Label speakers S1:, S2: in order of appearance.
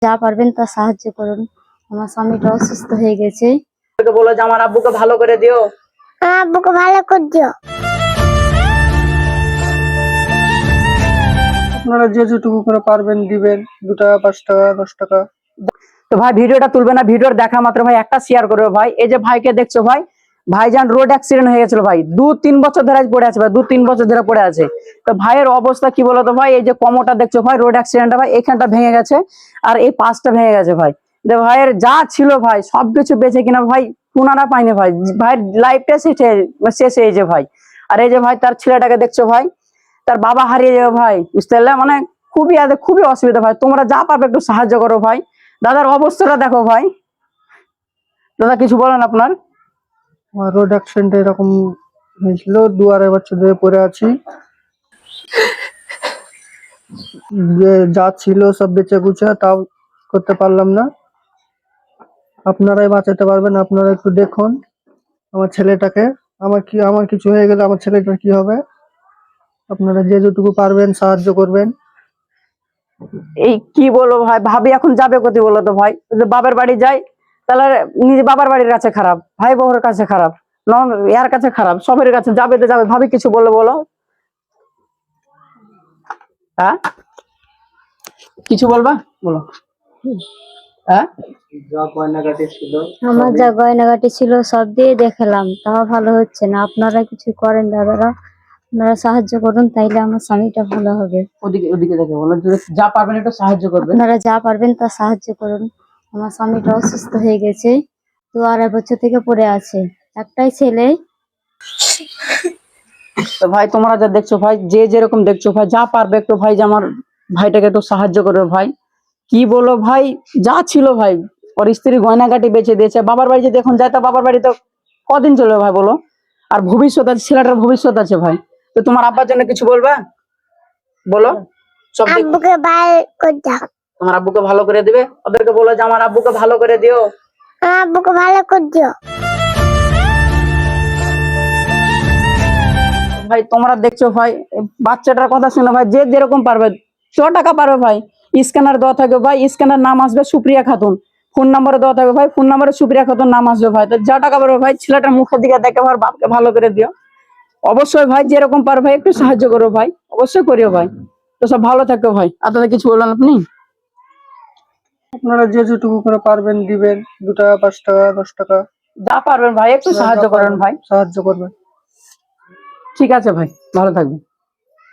S1: যা পারবেন তা সাহায্য করুন। আমার স্বামীটা অসুস্থ হয়ে গেছে।
S2: বলো যে আমার আব্বুকে ভালো করে দিও।
S1: আব্বুকে ভালো করে দিও।
S3: আপনারা যে যেটুকু করে পারবেন দিবেন, 2 টাকা 5 টাকা 10 টাকা।
S2: তো ভাই ভিডিওটা তুলবে না, ভিডিওর দেখা মাত্র ভাই একটা শেয়ার করবে ভাই। এই যে ভাইকে দেখছো ভাই, ভাইজান রোড অ্যাক্সিডেন্ট হয়ে গেছিল ভাই, 2-3 বছর ধরে পড়ে আছে ভাই, 2-3 বছর ধরে পড়ে আছে। তো ভাইয়ের অবস্থা কি বলতো ভাই, এই যে কোমরটা দেখছো ভাই, রোড অ্যাক্সিডেন্টটা ভাই এখানটা ভেঙে গেছে আর এই পাশটা ভেঙে গেছে ভাই। ভাইয়ের যা ছিল ভাই সবকিছু বেঁচে কিনা ভাই পুনারা পাইনি ভাই, ভাইয়ের লাইফটা শেষ হয়েছে ভাই। আর এই যে ভাই তার ছেলেটাকে দেখছো ভাই, তার বাবা হারিয়ে যাবে ভাই, বুঝতে পারলে, মানে খুবই অসুবিধা ভাই। তোমরা যা পারবে একটু সাহায্য করো ভাই। দাদার অবস্থাটা দেখো ভাই। দাদা কিছু বলেন আপনার।
S3: রোড অ্যাক্সিডেন্ট এরকম হয়েছিল, 2-2.5 বছর ধরে পড়ে আছি। যা ছিল সব বেঁচে গুছে তাও করতে পারলাম না। আপনারাই বাঁচাতে পারবেন, আপনারা একটু দেখুন আমার ছেলেটাকে। আমার কিছু হয়ে গেলে আমার ছেলেটার কি হবে? আপনারা যে যেটুকু পারবেন সাহায্য করবেন।
S2: এই কি বলবো ভাই, ভাবি এখন যাবে কোথায় বলো তো ভাই? যদি বাবার বাড়ি যাই তাহলে নিজে বাবার বাড়ির কাছে খারাপ, ভাই বউর কাছে খারাপ, এর কাছে খারাপ, সবের কাছে যাবে তো যাবে। ভাবি কিছু বললো বলো। হ্যাঁ কিছু বলবা বলো। হ্যাঁ
S1: আমার যা গয়নাগাটি ছিল সব দিয়ে দেখালাম, তাও ভালো হচ্ছে না। আপনারা কিছু করেন দাদারা, আপনারা সাহায্য করুন, তাইলে আমার স্বামীটা ভালো হবে।
S2: ওদিকে ওদিকে দেখে বলো, যা পারবেন একটু সাহায্য করবেন।
S1: আপনারা যা পারবেন তা সাহায্য করুন। আমার স্বামীটা অসুস্থ হয়ে গেছে, 2-2.5 বছর থেকে পড়ে আছে, একটাই ছেলে।
S2: তো ভাই তোমরা যা দেখছো ভাই, যে যেরকম দেখছো ভাই, যা পারবে একটু ভাই যে আমার ভাইটাকে একটু সাহায্য করবে ভাই। কি বলো ভাই, যা ছিল ভাই, ওর স্ত্রী গয়নাগাটি বেঁচে দিয়েছে। বাবার বাড়ি যদি এখন যায় তা বাবার বাড়ি তো কদিন চলবে ভাই বলো? আর ভবিষ্যৎ আছে, ছেলেটার ভবিষ্যৎ আছে ভাই। তো তোমার আব্বার জন্য কিছু বলবা বলো। সব তোমার আব্বুকে ভালো করে দিবে, ওদেরকে বলো যে আমার আব্বুকে ভালো করে দিও।
S1: আব্বুকে ভালো করে দিও।
S2: ভাই তোমরা দেখছো ভাই, বাচ্চাটার কথা শুনে ভাই, যে যেরকম পারবে, 100 টাকা পারবে ভাই, স্ক্যানার দেওয়া থাকবে ভাই, স্ক্যানার নাম আসবে সুপ্রিয়া খাতুন, ফোন নাম্বার দেওয়া থাকবে ভাই, ফোন নাম্বারে সুপ্রিয়া খাতুন নাম আসবে ভাই। তো যা টাকা পারবে ভাই, ছেলেটার মুখের দিকে দেখে ভাই, বাপকে ভালো করে দিও। অবশ্যই ভাই যেরকম পারবে ভাই একটু সাহায্য করো ভাই, অবশ্যই করিও ভাই। তো সব ভালো থাকো ভাই। আপনাদের কিছু বললেন আপনি?
S3: আপনারা যে যেটুকু করে পারবেন দিবেন, 2 টাকা 5 টাকা 10 টাকা।
S2: যা পারবেন ভাই একটু সাহায্য করেন ভাই,
S3: সাহায্য করবেন।
S2: ঠিক আছে ভাই, ভালো থাকবেন।